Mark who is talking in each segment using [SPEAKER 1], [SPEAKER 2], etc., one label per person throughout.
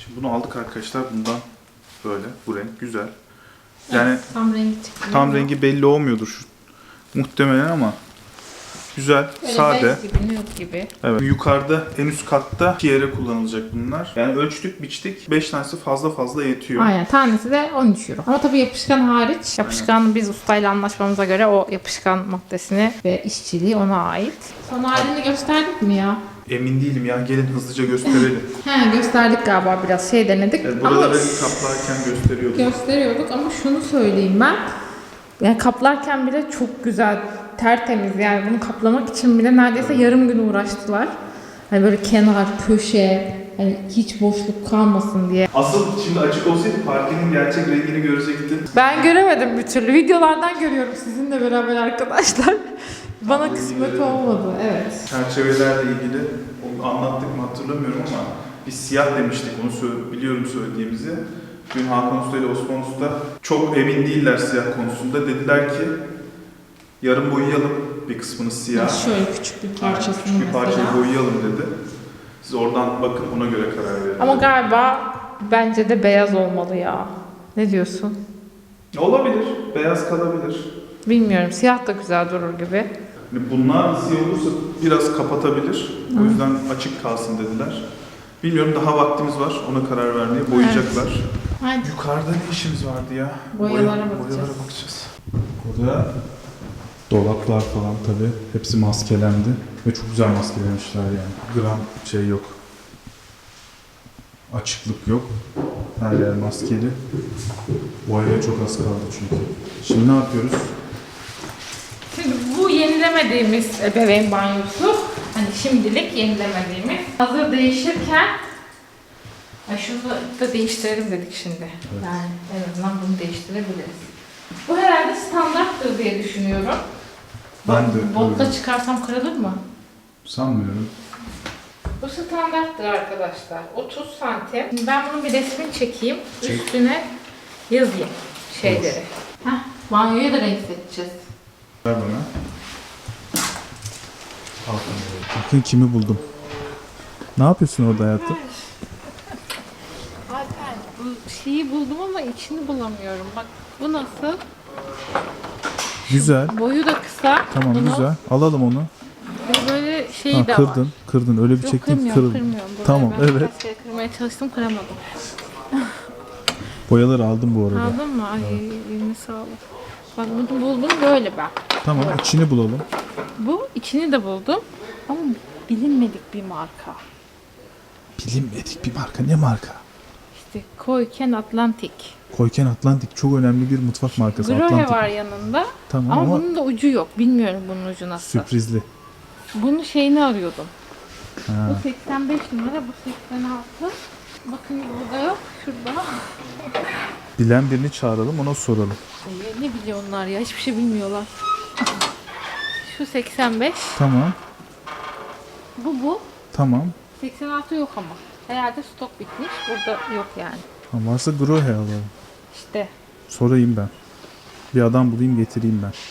[SPEAKER 1] Şimdi bunu aldık arkadaşlar. Bundan böyle. Bu renk güzel. Yani
[SPEAKER 2] Evet, tam rengi çıktı.
[SPEAKER 1] tam rengi belli olmuyordur şu muhtemelen ama güzel,
[SPEAKER 2] böyle
[SPEAKER 1] sade.
[SPEAKER 2] bez gibi, nude gibi.
[SPEAKER 1] Evet. Yukarıda en üst katta 2 yere kullanılacak bunlar. Yani ölçtük, biçtik. 5 tanesi fazla yetiyor.
[SPEAKER 2] Aynen, tanesi de 13 euro. Ama tabii yapışkan hariç. Yapışkan biz ustayla anlaşmamıza göre o yapışkan maddesini ve işçiliği ona ait. Son halini gösterdik mi ya?
[SPEAKER 1] Emin değilim ya. Gelin hızlıca gösterelim.
[SPEAKER 2] He, gösterdik galiba, biraz şey denedik.
[SPEAKER 1] Evet,
[SPEAKER 2] ama
[SPEAKER 1] buraları kaplarken gösteriyorduk.
[SPEAKER 2] gösteriyorduk ama şunu söyleyeyim ben. Yani kaplarken bile çok güzel, tertemiz. Yani bunu kaplamak için bile neredeyse yarım gün uğraştılar. Hani böyle kenar, köşe, hani hiç boşluk kalmasın diye.
[SPEAKER 1] Asıl şimdi açık olsaydı parkenin gerçek rengini görecektin.
[SPEAKER 2] Ben göremedim bir türlü. Videolardan görüyorum sizinle beraber arkadaşlar. Bana kısmet olmadı. Evet.
[SPEAKER 1] Çerçevelerle ilgili onu anlattık mı hatırlamıyorum ama biz siyah demiştik, onu biliyorum söylediğimizi. Dün Hakan Usta ile Osman Usta çok emin değiller siyah konusunda. Dediler ki yarım boyayalım bir kısmını siyah.
[SPEAKER 2] Şöyle küçük bir parçasını
[SPEAKER 1] Küçük bir parçayı
[SPEAKER 2] mesela.
[SPEAKER 1] boyayalım dedi. Siz oradan bakın, ona göre karar verin.
[SPEAKER 2] Ama galiba bence de beyaz olmalı ya. Ne diyorsun?
[SPEAKER 1] Olabilir, beyaz kalabilir.
[SPEAKER 2] Bilmiyorum. Siyah da güzel durur gibi.
[SPEAKER 1] Bunlar siyah olursa biraz kapatabilir. O yüzden açık kalsın dediler. Bilmiyorum, daha vaktimiz var ona karar vermeye. Boyayacaklar.
[SPEAKER 2] Hadi.
[SPEAKER 1] Yukarıda ne işimiz vardı ya?
[SPEAKER 2] Boyalara bakacağız.
[SPEAKER 1] Boyalara bakacağız. Burada dolaplar falan tabii. Hepsi maskelendi. Ve çok güzel maskelemişler yani. Gram şey yok. Açıklık yok. Her yer maskeli. Boyaya çok az kaldı çünkü. Şimdi ne yapıyoruz?
[SPEAKER 2] Şimdi bu yenilemediğimiz ebeveyn banyosu, hani şimdilik yenilemediğimiz, hazır değişirken şunu da değiştirelim dedik şimdi. Evet. Yani en azından bunu değiştirebiliriz. Bu herhalde standarttır diye düşünüyorum.
[SPEAKER 1] Ben de
[SPEAKER 2] Botta
[SPEAKER 1] öyle.
[SPEAKER 2] çıkarsam kırılır mı?
[SPEAKER 1] Sanmıyorum.
[SPEAKER 2] Bu standarttır arkadaşlar. 30 santim. Şimdi ben bunun bir resmini çekeyim.
[SPEAKER 1] Çek.
[SPEAKER 2] Üstüne yazayım şeyleri. Heh, banyoya da renk seçeceğiz.
[SPEAKER 1] Ver bana. Bakın kimi buldum. Ne yapıyorsun orada hayatım?
[SPEAKER 2] Alper, bu şeyi buldum ama içini bulamıyorum. Bak bu nasıl?
[SPEAKER 1] Güzel.
[SPEAKER 2] Boyu da kısa.
[SPEAKER 1] Tamam
[SPEAKER 2] Bunu,
[SPEAKER 1] güzel. Alalım onu.
[SPEAKER 2] ve böyle şey
[SPEAKER 1] Ha,
[SPEAKER 2] de
[SPEAKER 1] kırdın.
[SPEAKER 2] var.
[SPEAKER 1] Kırdın. Öyle bir
[SPEAKER 2] Yok,
[SPEAKER 1] çektin ki
[SPEAKER 2] kırmıyorum,
[SPEAKER 1] kırıldı.
[SPEAKER 2] kırmıyorum. Burayı
[SPEAKER 1] Tamam
[SPEAKER 2] ben
[SPEAKER 1] evet.
[SPEAKER 2] birkaç kere kırmaya çalıştım, kıramadım.
[SPEAKER 1] Boyaları aldım bu arada.
[SPEAKER 2] Aldın mı? Ay eline sağlık. Bak bunu buldum böyle ben.
[SPEAKER 1] Tamam içini bulalım.
[SPEAKER 2] Bu içini de buldum ama bilinmedik bir marka.
[SPEAKER 1] Bilinmedik bir marka. Ne marka?
[SPEAKER 2] İşte Koyken Atlantik.
[SPEAKER 1] Koyken Atlantik çok önemli bir mutfak markası.
[SPEAKER 2] Grohe
[SPEAKER 1] Atlantik.
[SPEAKER 2] var yanında
[SPEAKER 1] Tamam
[SPEAKER 2] ama
[SPEAKER 1] ama
[SPEAKER 2] bunun da ucu yok. Bilmiyorum bunun ucu nasıl.
[SPEAKER 1] sürprizli.
[SPEAKER 2] Bunun şeyini arıyordum.
[SPEAKER 1] Ha.
[SPEAKER 2] Bu 85 numara, bu 86. Bakın burada yok, şurada.
[SPEAKER 1] Bilen birini çağıralım, ona soralım.
[SPEAKER 2] Ne biliyor onlar ya? Hiçbir şey bilmiyorlar. Şu 85.
[SPEAKER 1] Tamam.
[SPEAKER 2] Bu.
[SPEAKER 1] Tamam.
[SPEAKER 2] 86 yok ama. Herhalde stok bitmiş. Burada yok yani.
[SPEAKER 1] Tamam varsa Grohe alalım.
[SPEAKER 2] İşte.
[SPEAKER 1] Sorayım ben. Bir adam bulayım getireyim ben.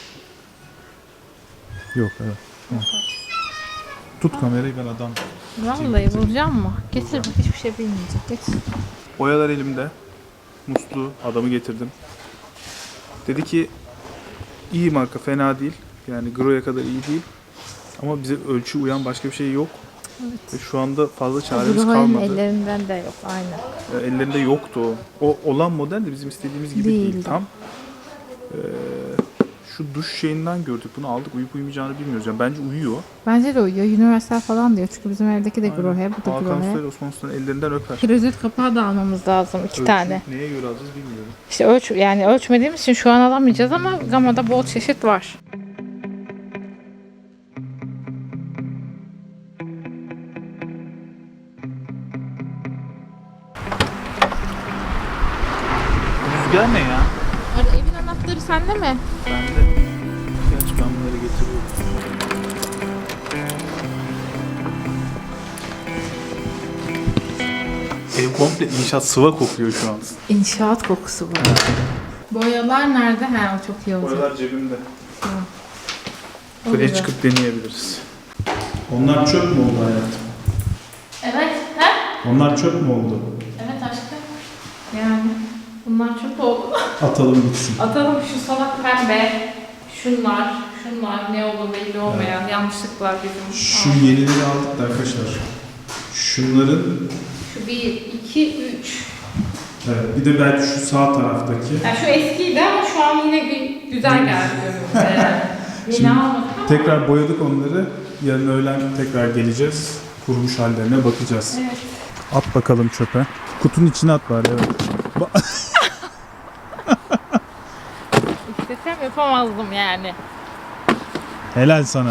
[SPEAKER 1] Yok evet. Tamam. Tut kamerayı, ben adam.
[SPEAKER 2] Vallahi bulacağım mı? Getir bak, hiçbir şey bilmeyecek. Getir.
[SPEAKER 1] Boyalar elimde. Musluğu adamı getirdim. Dedi ki iyi marka, fena değil. Yani Grohe'ye kadar iyi değil. Ama bize ölçü uyan başka bir şey yok.
[SPEAKER 2] Evet.
[SPEAKER 1] Ve şu anda fazla çaremiz
[SPEAKER 2] Grohe'nin
[SPEAKER 1] kalmadı.
[SPEAKER 2] ellerinden de yok. Aynen.
[SPEAKER 1] Ellerinde yoktu o. O olan model de bizim istediğimiz gibi değil.
[SPEAKER 2] Değildi.
[SPEAKER 1] Tam şu duş şeyinden gördük. Bunu aldık. Uyup uyumayacağını bilmiyoruz. Yani bence uyuyor.
[SPEAKER 2] Bence de uyuyor. Universal falan diyor. Çünkü bizim evdeki de
[SPEAKER 1] Aynen.
[SPEAKER 2] Grohe. Bu da
[SPEAKER 1] Hakan Usta
[SPEAKER 2] Grohe.
[SPEAKER 1] ile Osman Usta'nın ellerinden öper.
[SPEAKER 2] Klozet kapağı da almamız lazım. 2 tane.
[SPEAKER 1] Neye göre alacağız bilmiyorum.
[SPEAKER 2] İşte ölçmediğimiz için şu an alamayacağız ama Gama'da bol çeşit var.
[SPEAKER 1] Rüzgar ne ya?
[SPEAKER 2] Evin anahtarı sende mi?
[SPEAKER 1] Bende. Gerçi ben bunları getiriyorum. Ev komple inşaat, sıva kokuyor şu an.
[SPEAKER 2] İnşaat kokusu var. Boyalar nerede? O çok iyi olacak.
[SPEAKER 1] Boyalar cebimde.
[SPEAKER 2] Tamam.
[SPEAKER 1] Buraya çıkıp deneyebiliriz. Onlar çöp mü oldu hayatım?
[SPEAKER 2] Evet.
[SPEAKER 1] Onlar çöp mü oldu?
[SPEAKER 2] Evet Yani bunlar çok oldu.
[SPEAKER 3] Atalım gitsin.
[SPEAKER 2] Atalım şu salak pembe, şunlar ne olur belli olmayan yanlışlıklar bizim.
[SPEAKER 3] Şu yenileri aldık da arkadaşlar. Şunların
[SPEAKER 2] Şu 1, 2, 3.
[SPEAKER 3] evet, bir de belki şu sağ taraftaki.
[SPEAKER 2] Yani şu eskiydi ama şu an yine bir güzel geldi görünümde. Yeni
[SPEAKER 3] Şimdi
[SPEAKER 2] almadık ama.
[SPEAKER 3] tekrar boyadık onları. Yarın öğlen tekrar geleceğiz. Kurumuş hallerine bakacağız.
[SPEAKER 2] Evet.
[SPEAKER 3] At bakalım çöpe. Kutunun içine at bari, evet.
[SPEAKER 2] İstesem yapamazdım yani.
[SPEAKER 3] Helal sana.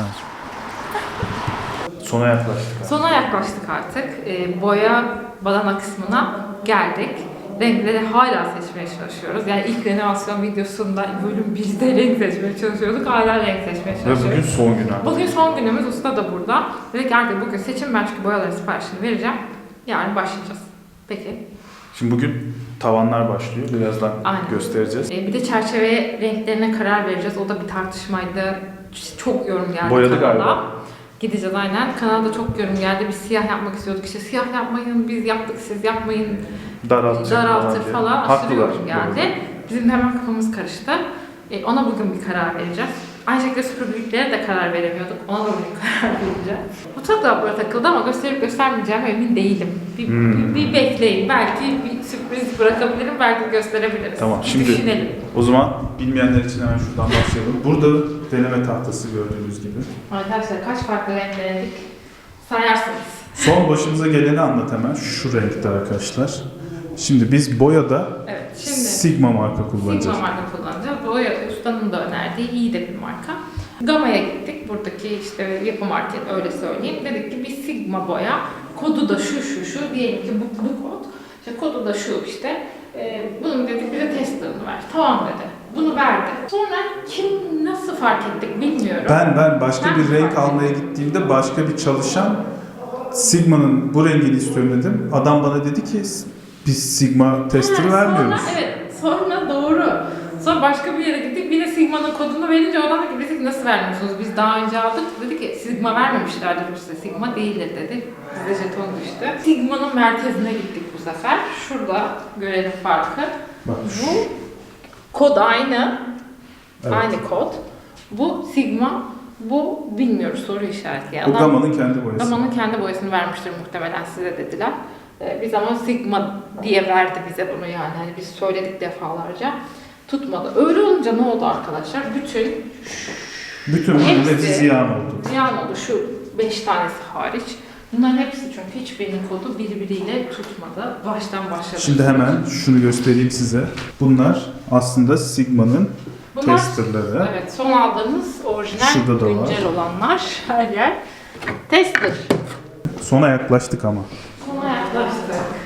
[SPEAKER 1] Sona yaklaştık.
[SPEAKER 2] Sona yaklaştık artık. Boya badana kısmına geldik. Renkleri hala seçmeye çalışıyoruz. Yani ilk renovasyon videosunda bölüm 1'de renk seçmeye çalışıyorduk. Hala renk seçmeye
[SPEAKER 1] Ve
[SPEAKER 2] çalışıyoruz.
[SPEAKER 1] bugün son gün abi.
[SPEAKER 2] Bugün son günümüz. Usta da burada. Dedik artık bugün seçin. Ben çünkü boyaların siparişini vereceğim. Yarın başlayacağız. Peki.
[SPEAKER 1] Şimdi bugün tavanlar başlıyor. Birazdan
[SPEAKER 2] Aynen.
[SPEAKER 1] göstereceğiz.
[SPEAKER 2] Bir de çerçeve renklerine karar vereceğiz. O da bir tartışmaydı. Çok yorum geldi
[SPEAKER 1] Boyadı
[SPEAKER 2] kanala.
[SPEAKER 1] galiba.
[SPEAKER 2] Gideceğiz aynen. Kanalda çok yorum geldi. Biz siyah yapmak istiyorduk. İşte siyah yapmayın, biz yaptık, siz yapmayın. Daraltır
[SPEAKER 1] diye.
[SPEAKER 2] falan. Aşırı
[SPEAKER 1] Haklılar.
[SPEAKER 2] yorum geldi. Bizim de hemen kafamız karıştı. Ona bugün bir karar vereceğiz. Aynı şekilde süpürgeliklere de karar veremiyorduk. Ona da bugün karar vereceğiz. Mutfak dolapları takıldı ama gösterip göstermeyeceğim emin değilim. Bir bekleyin. Belki bir sürpriz bırakabilirim, belki gösterebiliriz.
[SPEAKER 1] Tamam,
[SPEAKER 2] Bir
[SPEAKER 1] şimdi
[SPEAKER 2] düşünelim.
[SPEAKER 1] o zaman bilmeyenler için hemen şuradan başlayalım. Burada deneme tahtası gördüğünüz gibi.
[SPEAKER 2] Arkadaşlar kaç farklı renk denedik sayarsınız.
[SPEAKER 3] Son başımıza geleni anlat hemen. Şu renkte arkadaşlar. Şimdi biz boyada
[SPEAKER 2] Evet, şimdi
[SPEAKER 3] Sigma marka kullanacağız.
[SPEAKER 2] Sigma marka kullanacağız. Boya ustanın da önerdiği iyi de bir marka. Gama'ya gittik. Buradaki işte yapı market öyle söyleyeyim. Dedik ki bir Sigma boya. Kodu da şu. Diyelim ki bu kod. İşte kodu da şu işte. Bunun dedik bize testerını ver. Tamam dedi. Bunu verdi. Sonra kim nasıl fark ettik bilmiyorum.
[SPEAKER 3] Ben başka
[SPEAKER 2] Ben
[SPEAKER 3] bir renk
[SPEAKER 2] fark
[SPEAKER 3] almaya gittiğimde başka bir çalışan Sigma'nın bu rengini istiyorum dedim. Adam bana dedi ki biz Sigma tester vermiyoruz.
[SPEAKER 2] Sonra doğru. Sonra başka bir yere gittik. Bir de Sigma'nın kodunu verince adam dedi ki biz nasıl vermiyorsunuz? Biz daha önce aldık. Dedi ki Sigma vermemişlerdir size. Sigma değildir dedi. Bize jeton düştü. Sigma'nın merkezine gittik bu sefer. Şurada görelim farkı.
[SPEAKER 3] Bak
[SPEAKER 2] Bu kod aynı.
[SPEAKER 3] Evet.
[SPEAKER 2] Aynı kod. Bu Sigma. Bu bilmiyoruz, soru işareti. Yani
[SPEAKER 3] bu Gama'nın kendi boyası.
[SPEAKER 2] Gama'nın kendi boyasını vermiştir muhtemelen size dediler. Biz ama Sigma diye verdi bize bunu yani. Hani biz söyledik defalarca. Tutmadı. Öyle olunca ne oldu arkadaşlar?
[SPEAKER 3] Bütün bunun
[SPEAKER 2] hepsi
[SPEAKER 3] hepsi ziyan oldu.
[SPEAKER 2] ziyan oldu. Şu 5 tanesi hariç. Bunların hepsi çünkü hiçbirinin kodu birbiriyle tutmadı. Baştan başladı.
[SPEAKER 3] Şimdi hemen şunu göstereyim size. Bunlar aslında Sigma'nın
[SPEAKER 2] Bunlar,
[SPEAKER 3] testerları.
[SPEAKER 2] evet, son aldığımız orijinal,
[SPEAKER 3] Şurada da var.
[SPEAKER 2] güncel olanlar. Her yer tester.
[SPEAKER 3] Sona yaklaştık ama.
[SPEAKER 2] Sona yaklaştık.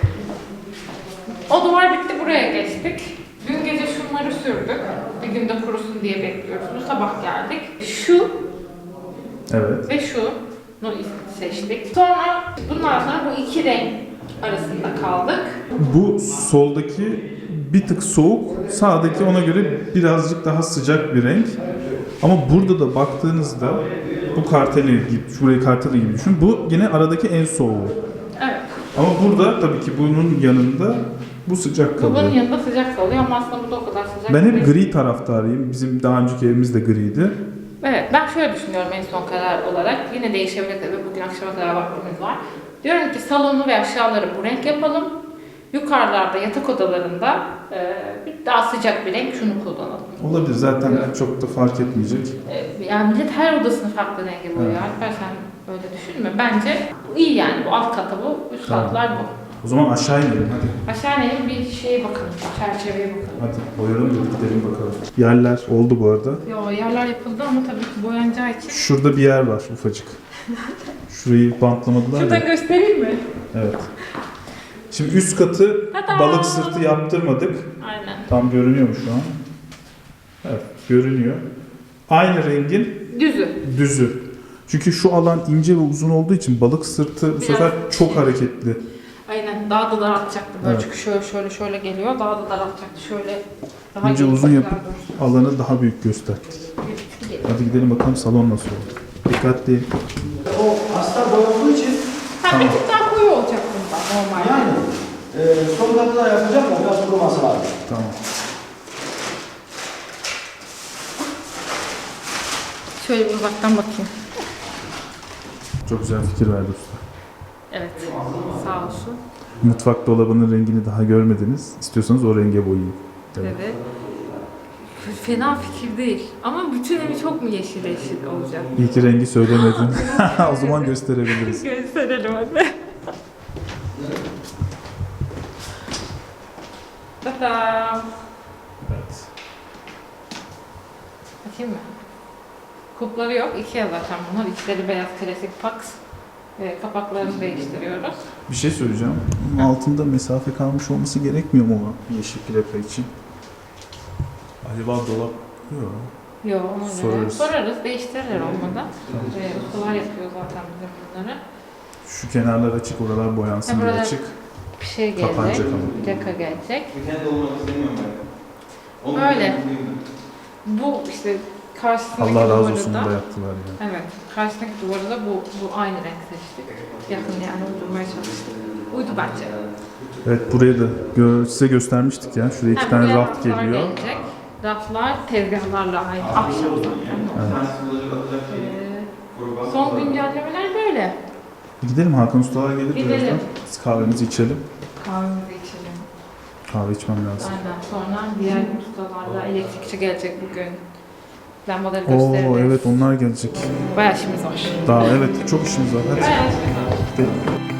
[SPEAKER 2] O duvar bitti, buraya geçtik. Dün gece şunları sürdük. Bir günde kurusun diye bekliyoruz. Bu sabah geldik. Şu
[SPEAKER 3] Evet.
[SPEAKER 2] ve şunu seçtik. Sonra bundan sonra bu iki renk arasında kaldık.
[SPEAKER 3] Bu soldaki bir tık soğuk, sağdaki ona göre birazcık daha sıcak bir renk. Ama burada da baktığınızda bu karteli gibi, şurayı karteli gibi düşün. Bu yine aradaki en soğuğu.
[SPEAKER 2] Evet.
[SPEAKER 3] Ama burada tabii ki bunun yanında bu sıcak
[SPEAKER 2] Bu bunun
[SPEAKER 3] kalıyor.
[SPEAKER 2] yanında sıcak kalıyor ama aslında bu da o kadar sıcak
[SPEAKER 3] Ben hep
[SPEAKER 2] değil.
[SPEAKER 3] gri taraftarıyım. Bizim daha önceki evimiz de griydi.
[SPEAKER 2] Evet, ben şöyle düşünüyorum en son karar olarak. Yine değişebilir tabii. Bugün akşama kadar vaktimiz var. Diyorum ki salonu ve aşağıları bu renk yapalım. Yukarılarda, yatak odalarında daha sıcak bir renk şunu kullanalım.
[SPEAKER 3] Olabilir, zaten
[SPEAKER 2] Evet.
[SPEAKER 3] çok da fark etmeyecek.
[SPEAKER 2] Yani millet her odasını farklı renge boyuyor.
[SPEAKER 3] Evet.
[SPEAKER 2] Alper sen öyle düşünme. Bence bu iyi yani. Bu alt kata bu, üst
[SPEAKER 3] Tamam.
[SPEAKER 2] katlar bu.
[SPEAKER 3] O zaman aşağı inelim hadi.
[SPEAKER 2] Aşağı inelim bir şeye bakalım. Çerçeveye bakalım.
[SPEAKER 3] Hadi boyayalım da gidelim bakalım. Yerler oldu bu arada.
[SPEAKER 2] Yo, yerler yapıldı ama tabii ki boyanacağı için.
[SPEAKER 3] Şurada bir yer var ufacık. Şurayı bantlamadılar
[SPEAKER 2] Şuradan
[SPEAKER 3] ya.
[SPEAKER 2] göstereyim mi?
[SPEAKER 3] Evet. Şimdi üst katı
[SPEAKER 2] Tada!
[SPEAKER 3] balık sırtı yaptırmadık.
[SPEAKER 2] Aynen.
[SPEAKER 3] Tam görünüyor mu şu an? Evet, görünüyor. Aynı rengin düzü. Çünkü şu alan ince ve uzun olduğu için balık sırtı bu
[SPEAKER 2] Biraz
[SPEAKER 3] sefer çok hareketli.
[SPEAKER 2] Aynen. Daha da daraltacaktı. Böyle
[SPEAKER 3] Evet.
[SPEAKER 2] çünkü şöyle geliyor. Daha da daraltacaktı. Şöyle daha
[SPEAKER 3] İnce
[SPEAKER 2] geniş
[SPEAKER 3] uzun
[SPEAKER 2] bir
[SPEAKER 3] yapıp
[SPEAKER 2] yer
[SPEAKER 3] alanı daha büyük göster.
[SPEAKER 2] geliyor.
[SPEAKER 3] Hadi gidelim bakalım salon nasıl oldu. Dikkatli.
[SPEAKER 4] O hasta boy olduğu için
[SPEAKER 2] Ha, bir tık daha koyu olacak bunda normal.
[SPEAKER 4] yani Son katı da yapacak da biraz kuruması lazım.
[SPEAKER 3] Tamam.
[SPEAKER 2] Şöyle bir uzaktan bakayım.
[SPEAKER 3] Çok güzel fikir verdi usta.
[SPEAKER 2] Evet. Sağ olsun.
[SPEAKER 3] Mutfak dolabının rengini daha görmediniz. İstiyorsanız o renge boyayın. Evet.
[SPEAKER 2] Dedi. Fena fikir değil. Ama bütün evi çok mu yeşil yeşil olacak?
[SPEAKER 3] İyi ki rengi söylemedin. O zaman gösterebiliriz.
[SPEAKER 2] Gösterelim hadi. Tadam.
[SPEAKER 3] Evet.
[SPEAKER 2] Bakayım mı? Kupları yok. Ikea zaten bunlar. İçleri beyaz klasik Pax. Kapaklarını değiştiriyoruz.
[SPEAKER 3] Bir şey söyleyeceğim. Bunun altında mesafe kalmış olması gerekmiyor mu o yeşil plaka için? Acaba dolap... Yok.
[SPEAKER 2] Yok ona göre.
[SPEAKER 3] Sorarız.
[SPEAKER 2] Sorarız. Değiştirirler olmadan. Ustalar yapıyor zaten bizim bunları.
[SPEAKER 3] Şu kenarlar açık, oralar boyansın diye
[SPEAKER 2] buralar-
[SPEAKER 3] açık.
[SPEAKER 2] Bir şey
[SPEAKER 3] Kapanacak
[SPEAKER 2] gelecek.
[SPEAKER 3] ama.
[SPEAKER 2] Plaka gelecek.
[SPEAKER 1] Bir tane de olmak istemiyorum ben.
[SPEAKER 2] Böyle. Bu işte karşısındaki
[SPEAKER 3] Allah razı
[SPEAKER 2] duvarı
[SPEAKER 3] olsun
[SPEAKER 2] da-
[SPEAKER 3] da yaptılar yani.
[SPEAKER 2] Evet. Karşısındaki duvarı da bu aynı renk seçtik. Yakın yani uydurmaya çalıştık. Uydu bence.
[SPEAKER 3] Evet, burayı da size göstermiştik ya. Şuraya iki tane
[SPEAKER 2] buraya
[SPEAKER 3] raft
[SPEAKER 2] raflar
[SPEAKER 3] geliyor.
[SPEAKER 2] gelecek. Raflar tezgahlarla aynı. Ahşap zaten. Son güncellemeler böyle.
[SPEAKER 3] Gidelim, Hakan Ustalar gelir
[SPEAKER 2] Gidelim.
[SPEAKER 3] birazdan. Biz kahvemizi içelim.
[SPEAKER 2] Kahvemizi içelim.
[SPEAKER 3] Kahve içmem lazım.
[SPEAKER 2] Aynen. Sonra diğer ustalarla elektrikçi gelecek bugün. Lambaları
[SPEAKER 3] Oo
[SPEAKER 2] gösteririz.
[SPEAKER 3] evet, onlar gelecek.
[SPEAKER 2] Bayağı işimiz var.
[SPEAKER 3] Daha evet, çok işimiz var. Hadi.
[SPEAKER 2] Bayağı işimiz var.
[SPEAKER 3] Gidelim.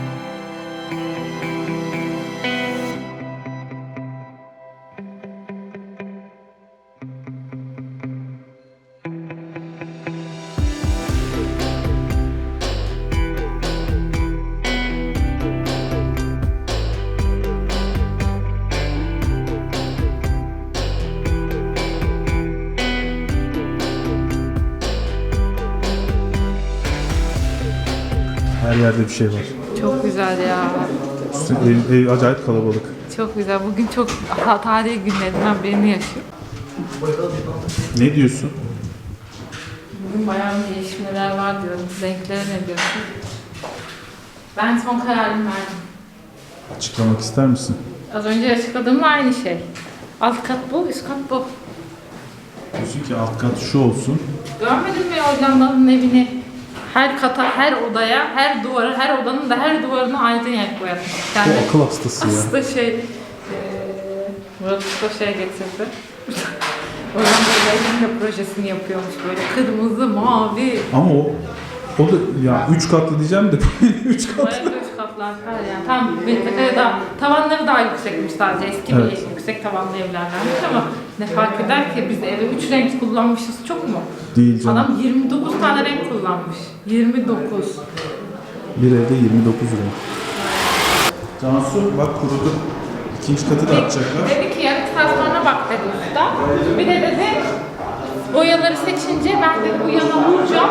[SPEAKER 3] Her yerde bir şey var.
[SPEAKER 2] Çok güzel ya.
[SPEAKER 3] Ev acayip kalabalık.
[SPEAKER 2] Çok güzel. Bugün çok tarihi günlerinden birini yaşıyor.
[SPEAKER 3] Ne diyorsun?
[SPEAKER 2] Bugün bayağı bir gelişmeler var diyorum. Renklere ne diyorsun? Ben son kararımı verdim.
[SPEAKER 3] Açıklamak ister misin?
[SPEAKER 2] Az önce açıkladığımla aynı şey. Alt kat bu, üst kat bu.
[SPEAKER 3] Diyorsun ki alt kat şu olsun.
[SPEAKER 2] Görmedin mi Hollanda'nın evini? Her kata, her odaya, her duvara, her odanın da her duvarına aynı renk boyatmış. Yani
[SPEAKER 3] O akıl hastası ya.
[SPEAKER 2] aslında Murat Usta getirdi. Hollanda'da evin projesini yapıyormuş böyle kırmızı, mavi.
[SPEAKER 3] Ama o da ya 3 katlı diyeceğim de 3 katlı.
[SPEAKER 2] Bayağı üç katlar falan yani. Tam metrekare daha, tavanları daha yüksekmiş sadece. Eski
[SPEAKER 3] Evet.
[SPEAKER 2] bir yüksek tavanlı evlerdenmiş ama ne fark eder ki biz eve 3 renk kullanmışız çok mu?
[SPEAKER 3] Değil canım.
[SPEAKER 2] Adam 29 tane renk kullanmış. 29.
[SPEAKER 3] Bir evde 29 renk. Cansu bak kurudu. İkinci katı da atacaklar.
[SPEAKER 2] Dedi ki yarım saat sonra bak dedi usta. Bir de dedi boyaları seçince ben de bu yana vuracağım.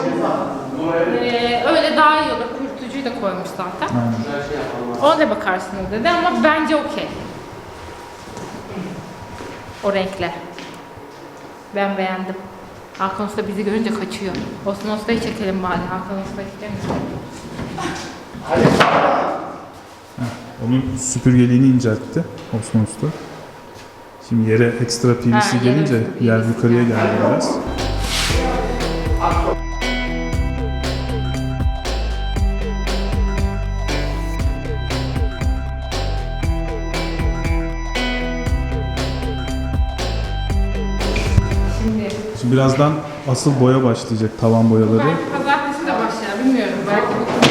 [SPEAKER 2] Öyle daha iyi olur. Kurutucuyu da koymuş zaten.
[SPEAKER 3] Aynen.
[SPEAKER 2] Ona da bakarsınız dedi ama bence okey. O renkle. Ben beğendim. Hakan Usta bizi görünce kaçıyor. Osman Usta'yı çekelim bari. Hakan Usta istemiyor.
[SPEAKER 3] Onun süpürgeliğini inceltti Osman Usta. Şimdi yere ekstra PVC
[SPEAKER 2] Ha, yere
[SPEAKER 3] gelince
[SPEAKER 2] PVC
[SPEAKER 3] yer yukarıya geldi biraz. Şimdi birazdan asıl boya başlayacak, tavan boyaları.
[SPEAKER 2] Belki pazartesi de başlar, bilmiyorum. Belki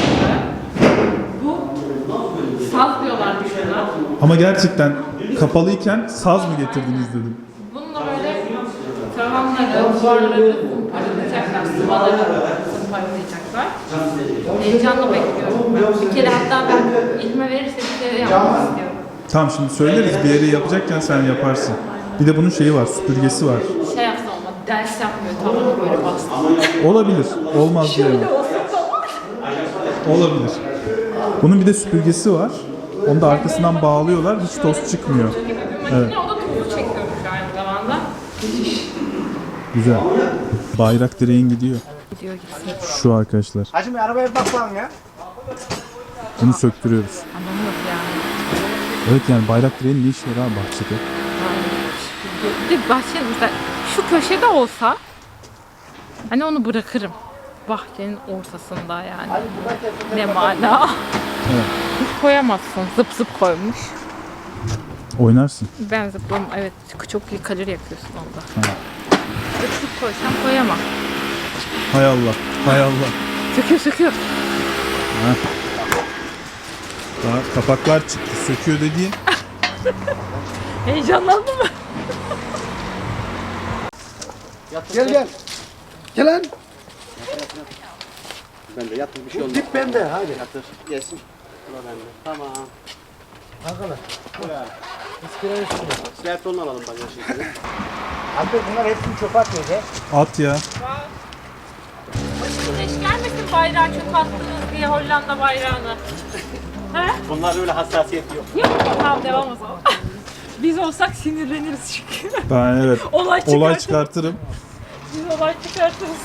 [SPEAKER 2] bu saz diyorlar şuna.
[SPEAKER 3] Ama gerçekten kapalıyken saz mı getirdiniz dedim.
[SPEAKER 2] Bununla böyle tavanları, duvarları zımparalayacaklar, sıvaları zımparalayacaklar. Heyecanla bekliyorum ben. Bir kere hatta ben ilme verirse bir kere yapmak istiyorum.
[SPEAKER 3] Tamam, şimdi söyleriz, bir yere yapacakken sen yaparsın. Bir de bunun şeyi var, süpürgesi var.
[SPEAKER 2] Şey yapsa olmadı, ders yapmıyor, tavanı böyle bastı.
[SPEAKER 3] Olabilir, olmaz diyemem.
[SPEAKER 2] Şöyle olsa tamam.
[SPEAKER 3] Olabilir. Bunun bir de süpürgesi var. Onu da arkasından bağlıyorlar, hiç toz çıkmıyor.
[SPEAKER 2] Gibi bir makine,
[SPEAKER 3] Evet.
[SPEAKER 2] o da tozu çekiyormuş aynı zamanda.
[SPEAKER 3] Güzel. Bayrak direğin gidiyor.
[SPEAKER 2] Gidiyor gitsin.
[SPEAKER 3] Şu arkadaşlar.
[SPEAKER 4] Hacım arabaya bak bakalım ya.
[SPEAKER 3] Bunu söktürüyoruz.
[SPEAKER 2] Anlamı yok yani.
[SPEAKER 3] Evet yani bayrak direğinin ne işi var abi bahçede?
[SPEAKER 2] Bir de bahçenin mesela şu köşede olsa hani onu bırakırım. Bahçenin ortasında yani. Ne mana.
[SPEAKER 3] Evet.
[SPEAKER 2] Hiç koyamazsın. Zıp zıp koymuş.
[SPEAKER 3] Oynarsın.
[SPEAKER 2] Ben zıplam evet çok iyi kalori yakıyorsun onda.
[SPEAKER 3] Ha.
[SPEAKER 2] Zıp zıp koysam koyamam.
[SPEAKER 3] Hay Allah. Hay Allah.
[SPEAKER 2] Söküyor.
[SPEAKER 3] Daha kapaklar çıktı. Söküyor dediğin.
[SPEAKER 2] Heyecanlandın mı?
[SPEAKER 4] Gel. Gel lan.
[SPEAKER 5] Ben de yatır bir şey olmaz.
[SPEAKER 4] Dip bende hadi.
[SPEAKER 5] Yatır. Yesin. Bura bende. Tamam.
[SPEAKER 4] Arkadaş. İskelenin üstüne.
[SPEAKER 5] Slerton'u alalım bak ya şimdi.
[SPEAKER 4] Abi bunlar hepsini çöpe atıyor ya.
[SPEAKER 3] At ya.
[SPEAKER 2] Güneş gelmesin bayrağı çok attınız diye Hollanda bayrağını. He?
[SPEAKER 5] Bunlar öyle hassasiyet yok.
[SPEAKER 2] Yok tamam devam o zaman. Biz olsak sinirleniriz çünkü.
[SPEAKER 3] Ben evet.
[SPEAKER 2] Olay
[SPEAKER 3] çıkartırım.
[SPEAKER 2] Biz olay çıkartırız.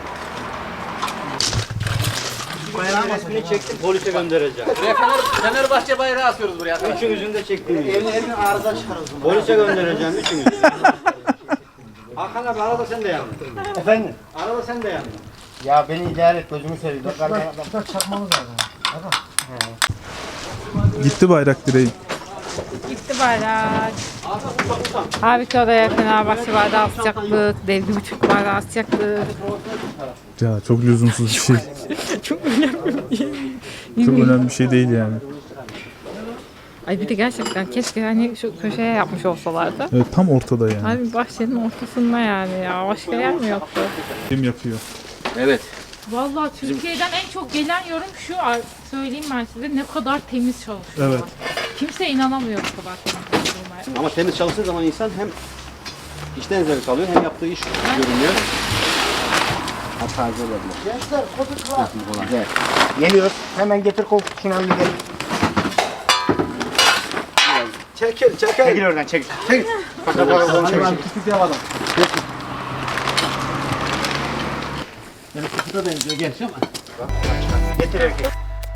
[SPEAKER 5] Bayrağın resmini çektim polise göndereceğim.
[SPEAKER 6] Buraya Fenerbahçe bayrağı asıyoruz buraya.
[SPEAKER 5] Üçünüzün de çektiğim gibi. Evin arıza çıkarırız. Polise göndereceğim üçünüzü. Hakan abi arada sen de yandın.
[SPEAKER 4] Efendim?
[SPEAKER 5] Arada sen de yandın.
[SPEAKER 4] Ya beni idare et gözümü seveyim. Bak çakmamız lazım.
[SPEAKER 3] Gitti bayrak direği.
[SPEAKER 2] Gitti bayrak. Halbuki oraya Fenerbahçe bayrağı asacaktık. Dev gibi Türk bayrağı asacaktık.
[SPEAKER 3] Ya çok lüzumsuz bir şey.
[SPEAKER 2] Çok önemli.
[SPEAKER 3] Çok önemli bir şey değil yani.
[SPEAKER 2] Ay bir de gerçekten keşke hani şu köşeye yapmış olsalardı.
[SPEAKER 3] Evet tam ortada yani.
[SPEAKER 2] Abi bahçenin ortasında yani ya. Başka yer mi yoktu?
[SPEAKER 3] Kim yapıyor?
[SPEAKER 6] Evet.
[SPEAKER 2] Vallahi Türkiye'den en çok gelen yorum şu, söyleyeyim ben size, ne kadar temiz çalışıyorlar.
[SPEAKER 3] Evet.
[SPEAKER 2] Kimse inanamıyor bu kadar temiz çalıştığına.
[SPEAKER 5] Ama temiz çalıştığı zaman insan hem işten zevk alıyor hem yaptığı iş görünüyor. Taze olabilir.
[SPEAKER 4] Gençler koduk var. Güzel. Geliyoruz. Hemen getir koltuk şunu gidelim. Çekil. Çekil oradan çekil. Çekil. Bakalım çekil. Küçük yapalım.
[SPEAKER 5] Yani kutuda benziyor genç ama.
[SPEAKER 4] Getir erkek.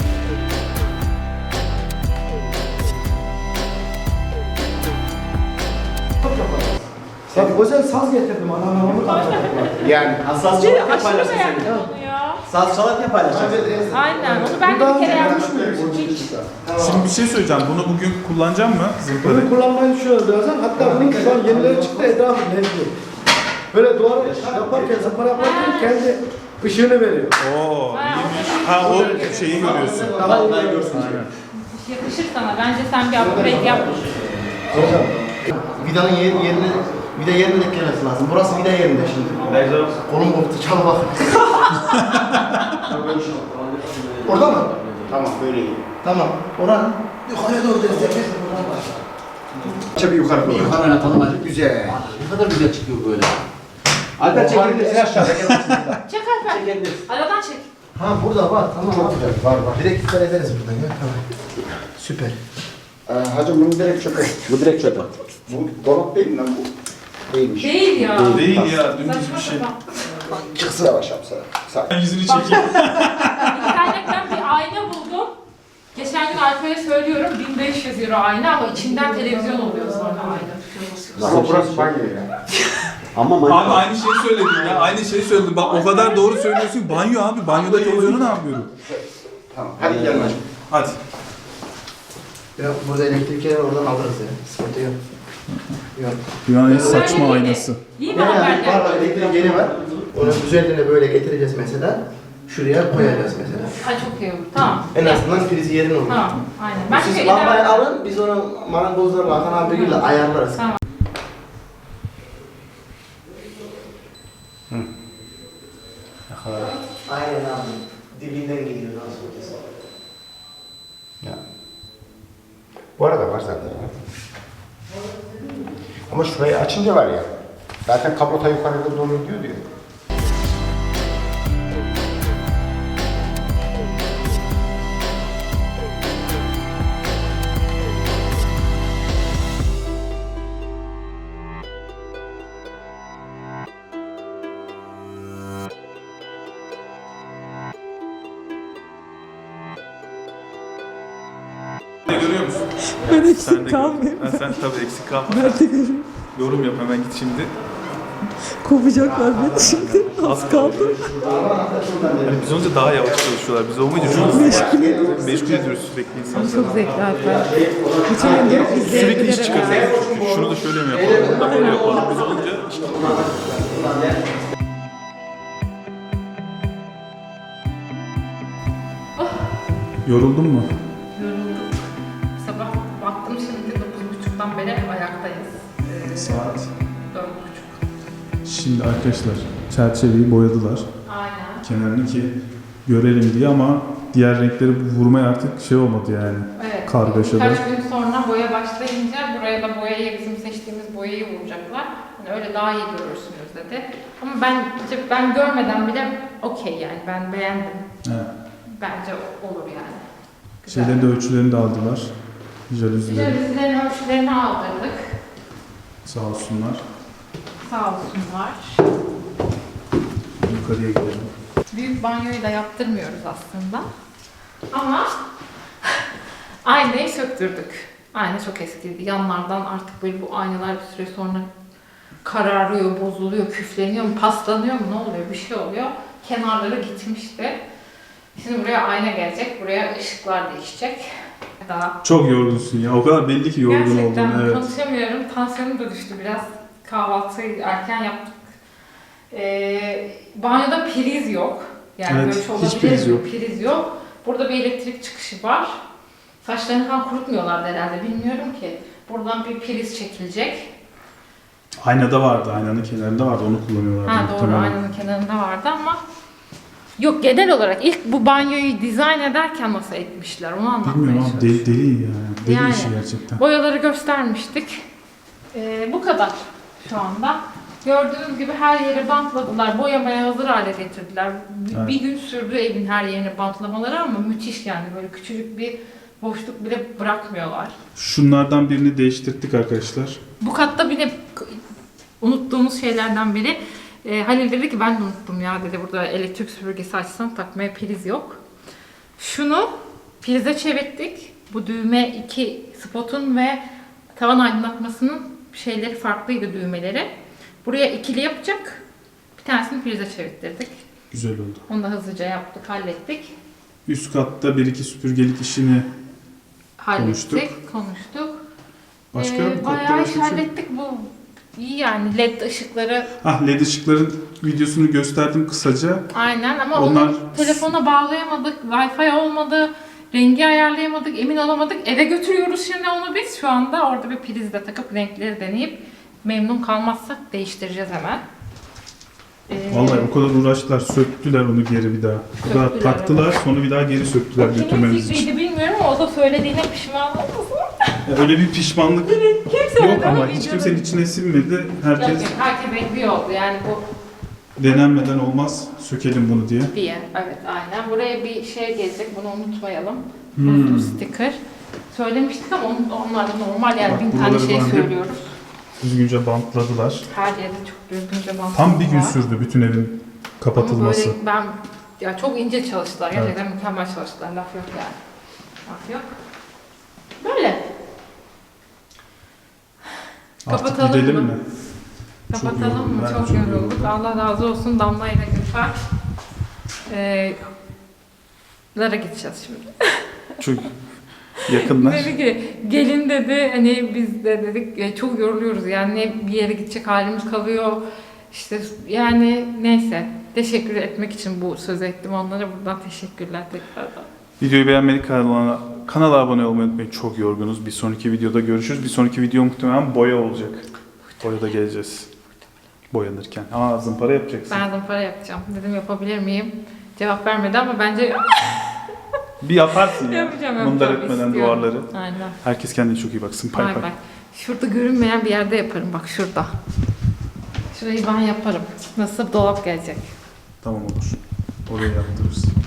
[SPEAKER 4] Sen özel saz getirdim anam onu
[SPEAKER 5] Yani saz çalarken
[SPEAKER 2] Aşırı
[SPEAKER 5] paylaşsın
[SPEAKER 2] beğendim
[SPEAKER 5] seni.
[SPEAKER 2] onu ya.
[SPEAKER 5] Saz çalarken paylaşsın.
[SPEAKER 2] Aynen, onu ben de bir kere yapmıştım.
[SPEAKER 3] Şimdi bir şey söyleyeceğim. Bunu bugün kullanacağım mı? Zımparayı.
[SPEAKER 7] Bunu kullanmayı düşünüyoruz birazdan. Hatta bunun şu an yenileri çıktı etrafı mevcut. Böyle duvarı yaparken, zımpara yaparken kendi ışığını veriyor.
[SPEAKER 3] Oo iyiymiş. Ha o şeyi görüyorsun.
[SPEAKER 7] Daha iyi görüyorsun.
[SPEAKER 3] Aynen.
[SPEAKER 2] Yakışır sana. Bence sen bir upgrade yap.
[SPEAKER 5] Vidanın yerine vida yerine eklemesi lazım. Burası vida yerinde şimdi. Kolum koptu çal bak. Orada mı? Tamam böyle iyi. Tamam. Oranın yukarıya doğru destekle. Çabuk yukarı doğru.
[SPEAKER 6] Yukarı oynatalım hadi.
[SPEAKER 5] Güzel.
[SPEAKER 6] Ne kadar güzel çıkıyor böyle.
[SPEAKER 5] Alper çekebilirsin aşağıda.
[SPEAKER 2] Çek Alper. Aradan çek.
[SPEAKER 5] Ha burada var. Tamam. Çok güzel. Var. Direkt iptal ederiz buradan ya. Tamam. Süper. Hacım bunu direkt çöpe. Bu direkt çöpe. Bu dolap değil mi lan bu? Değilmiş.
[SPEAKER 2] Değil ya.
[SPEAKER 3] Değil ya dümdüz
[SPEAKER 2] Saçma
[SPEAKER 3] bir şey.
[SPEAKER 2] sapan.
[SPEAKER 5] Çıksın yavaş yap sana. Sakin.
[SPEAKER 3] Ben yüzünü çekeyim.
[SPEAKER 2] İnternetten bir ayna buldum. Geçen gün Alper'e söylüyorum 1500 euro ayna ama içinden televizyon oluyor sonra ayna.
[SPEAKER 5] Ama burası banyo ya. Ama
[SPEAKER 3] Abi aynı şeyi söyledin ya. Aynı şeyi söyledim. Bak o kadar doğru söylüyorsun. Banyo abi. Banyoda televizyonu ne yapıyorum?
[SPEAKER 5] Tamam. Hadi gidelim hacım.
[SPEAKER 3] Hadi.
[SPEAKER 5] Ya burada elektrikleri oradan alırız ya. Sıkıntı yok. Yok.
[SPEAKER 3] Dünyanın en saçma aynası.
[SPEAKER 2] İyi mi Alper?
[SPEAKER 5] Var var elektrik yeri var. Onun üzerine böyle getireceğiz mesela. Şuraya koyacağız mesela.
[SPEAKER 2] Ha çok iyi olur. Tamam.
[SPEAKER 5] En azından prizi yerin olur.
[SPEAKER 2] Tamam. Aynen. Ben
[SPEAKER 5] Siz
[SPEAKER 2] çünkü
[SPEAKER 5] lambayı
[SPEAKER 2] idare-
[SPEAKER 5] alın, biz onu marangozlarla Hakan abiyle ayarlarız.
[SPEAKER 2] Tamam.
[SPEAKER 5] Aynen abi. Dibinden geliyor nasıl olacağız? Ya.
[SPEAKER 8] Bu arada var zaten. Ama şurayı açınca var ya. Zaten kablota yukarıda doğru gidiyor diyor.
[SPEAKER 3] Görüyor musun?
[SPEAKER 9] Ben
[SPEAKER 1] Sen de
[SPEAKER 9] eksik
[SPEAKER 1] gör.
[SPEAKER 9] kalmayayım.
[SPEAKER 1] Ha, sen tabii eksik kalma.
[SPEAKER 9] Ben de görüyorum.
[SPEAKER 1] Yorum yap hemen git şimdi.
[SPEAKER 9] Kovacaklar beni şimdi. Az kaldı.
[SPEAKER 1] Yani biz olunca daha yavaş çalışıyorlar. Biz olmayınca çok meşgul ediyoruz sürekli insanları.
[SPEAKER 2] Çok zevkli hatta. Bütün gün gelip
[SPEAKER 1] Sürekli iş
[SPEAKER 2] izleyebiliriz.
[SPEAKER 1] çıkarıyoruz. Şunu da şöyle mi yapalım, bunu da böyle yapalım. Biz olunca işte
[SPEAKER 3] Yoruldun mu?
[SPEAKER 2] Yorulduk. Sabah baktım şimdi 9.30'dan beri ayaktayız.
[SPEAKER 3] Saat.
[SPEAKER 2] 4.30.
[SPEAKER 3] Şimdi arkadaşlar çerçeveyi boyadılar.
[SPEAKER 2] Aynen.
[SPEAKER 3] Kenarını ki görelim diye ama diğer renkleri vurmaya artık şey olmadı yani.
[SPEAKER 2] Evet.
[SPEAKER 3] Kargaşada.
[SPEAKER 2] Birkaç gün sonra boya başlayınca buraya da boyayı bizim seçtiğimiz boyayı vuracaklar. Yani öyle daha iyi görürsünüz dedi. Ama ben görmeden bile okey yani ben beğendim.
[SPEAKER 3] Evet.
[SPEAKER 2] Bence olur yani. Güzel.
[SPEAKER 3] Şeylerin de ölçülerini de aldılar. Jalüzileri.
[SPEAKER 2] Jalüzilerin ölçülerini aldırdık.
[SPEAKER 3] Sağ olsunlar.
[SPEAKER 2] Sağ olsunlar.
[SPEAKER 3] Yukarıya gidelim.
[SPEAKER 2] Büyük banyoyu da yaptırmıyoruz aslında. Ama aynayı söktürdük. Ayna çok eskiydi. Yanlardan artık böyle bu aynalar bir süre sonra kararıyor, bozuluyor, küfleniyor mu, paslanıyor mu, ne oluyor, bir şey oluyor. Kenarları gitmişti. Şimdi buraya ayna gelecek, buraya ışıklar değişecek. Daha
[SPEAKER 3] Çok yorgunsun ya. O kadar belli ki yorgun
[SPEAKER 2] gerçekten
[SPEAKER 3] oldun. Evet.
[SPEAKER 2] konuşamıyorum. Tansiyonum da düştü biraz. Kahvaltıyı erken yaptık. Banyoda priz yok. Yani
[SPEAKER 3] Evet,
[SPEAKER 2] böyle bir şey
[SPEAKER 3] hiç
[SPEAKER 2] olabilir
[SPEAKER 3] priz
[SPEAKER 2] mi?
[SPEAKER 3] yok.
[SPEAKER 2] Priz yok. Burada bir elektrik çıkışı var. Saçlarını falan kurutmuyorlar herhalde. Bilmiyorum ki. Buradan bir priz çekilecek.
[SPEAKER 3] Aynada vardı. Aynanın kenarında vardı. Onu kullanıyorlardı.
[SPEAKER 2] Ha doğru,
[SPEAKER 3] muhtemelen.
[SPEAKER 2] aynanın kenarında vardı ama yok, genel olarak ilk bu banyoyu dizayn ederken nasıl etmişler onu anlatmaya
[SPEAKER 3] Bilmiyorum ama
[SPEAKER 2] çalışıyorum.
[SPEAKER 3] deli yani. Deli
[SPEAKER 2] Yani.
[SPEAKER 3] işi gerçekten.
[SPEAKER 2] Boyaları göstermiştik. Bu kadar şu anda. Gördüğünüz gibi her yeri bantladılar. Boyamaya hazır hale getirdiler.
[SPEAKER 3] Evet.
[SPEAKER 2] Bir gün sürdü evin her yerini bantlamaları ama müthiş yani. Böyle küçücük bir boşluk bile bırakmıyorlar.
[SPEAKER 3] Şunlardan birini değiştirdik arkadaşlar.
[SPEAKER 2] Bu katta bile unuttuğumuz şeylerden biri. Halil dedi ki ben de unuttum ya dedi, burada elektrik süpürgesi açsam takmaya priz yok. Şunu prize çevirdik. Bu düğme iki spotun ve tavan aydınlatmasının şeyleri farklıydı, düğmeleri. Buraya ikili yapacak. Bir tanesini prize çevirttirdik.
[SPEAKER 3] Güzel oldu.
[SPEAKER 2] Onu da hızlıca yaptık, hallettik.
[SPEAKER 3] Üst katta bir iki süpürgelik işini
[SPEAKER 2] Konuştuk.
[SPEAKER 3] başka bu katta
[SPEAKER 2] Bayağı
[SPEAKER 3] başka
[SPEAKER 2] iş
[SPEAKER 3] bir şey.
[SPEAKER 2] hallettik bu. İyi yani, led ışıkları
[SPEAKER 3] LED ışıkların videosunu gösterdim kısaca.
[SPEAKER 2] aynen ama
[SPEAKER 3] Onlar-
[SPEAKER 2] onu telefona bağlayamadık, Wi-Fi olmadı, rengi ayarlayamadık, emin olamadık. Eve götürüyoruz şimdi onu biz. Şu anda orada bir prizle takıp renkleri deneyip memnun kalmazsak değiştireceğiz hemen.
[SPEAKER 3] Vallahi o kadar uğraştılar, söktüler onu geri bir daha. O kadar
[SPEAKER 2] Söktüler,
[SPEAKER 3] taktılar, sonra bir daha geri söktüler
[SPEAKER 2] Kimin
[SPEAKER 3] götürmemiz için.
[SPEAKER 2] fikriydi bilmiyorum ama o da söylediğine pişman olmasın.
[SPEAKER 3] Öyle bir pişmanlık
[SPEAKER 2] Kimse
[SPEAKER 3] yok ama hiç kimsenin içine sinmedi. Herkes
[SPEAKER 2] herkes ekliyor oldu yani bu
[SPEAKER 3] denenmeden olmaz, sökelim bunu diye.
[SPEAKER 2] diye. Evet aynen. Buraya bir şey gelecek, bunu unutmayalım.
[SPEAKER 3] Hmm.
[SPEAKER 2] Bu sticker. Söylemiştik ama onlar da normal yani,
[SPEAKER 3] Bak,
[SPEAKER 2] 1000 tane
[SPEAKER 3] buraları
[SPEAKER 2] şey
[SPEAKER 3] var ya.
[SPEAKER 2] söylüyoruz.
[SPEAKER 3] Düzgünce bantladılar.
[SPEAKER 2] Her yerde çok düzgünce bantladılar.
[SPEAKER 3] Tam bir gün sürdü bütün evin kapatılması.
[SPEAKER 2] Ama böyle ya çok ince çalıştılar. Gerçekten mükemmel çalıştılar. Laf yok yani. Laf yok. Böyle.
[SPEAKER 3] Artık
[SPEAKER 2] Kapatalım
[SPEAKER 3] gidelim
[SPEAKER 2] mı?
[SPEAKER 3] mi?
[SPEAKER 2] Kapatalım mı?
[SPEAKER 3] Ben
[SPEAKER 2] Çok
[SPEAKER 3] çok
[SPEAKER 2] yorulduk.
[SPEAKER 3] yoruldum.
[SPEAKER 2] Allah razı olsun Damla ile Gülfer. Lara gideceğiz şimdi.
[SPEAKER 1] çok yakınlar.
[SPEAKER 2] Dedi ki gelin dedi, hani biz de dedik çok yoruluyoruz yani, ne bir yere gidecek halimiz kalıyor. İşte yani neyse, teşekkür etmek için bu sözü ettim onlara, buradan teşekkürler tekrardan.
[SPEAKER 1] Videoyu beğenmeyi, kanala abone olmayı unutmayın. Çok yorgunuz. Bir sonraki videoda görüşürüz. Bir sonraki video muhtemelen boya olacak. Boyada geleceğiz. Boyanırken. Zımpara yapacaksın.
[SPEAKER 2] Ben zımpara yapacağım. Dedim yapabilir miyim? Cevap vermedi ama bence
[SPEAKER 1] Bir yaparsın ya.
[SPEAKER 2] yapacağım.
[SPEAKER 1] Mındar
[SPEAKER 2] yapacağım,
[SPEAKER 1] etmeden
[SPEAKER 2] istiyorum.
[SPEAKER 1] duvarları.
[SPEAKER 2] Aynen.
[SPEAKER 1] Herkes kendine çok iyi baksın. Pay
[SPEAKER 2] Bay
[SPEAKER 1] pay.
[SPEAKER 2] bay. Şurada görünmeyen bir yerde yaparım, bak şurada. Şurayı ben yaparım. Nasıl dolap gelecek.
[SPEAKER 1] Tamam olur. Oraya yaptırırız.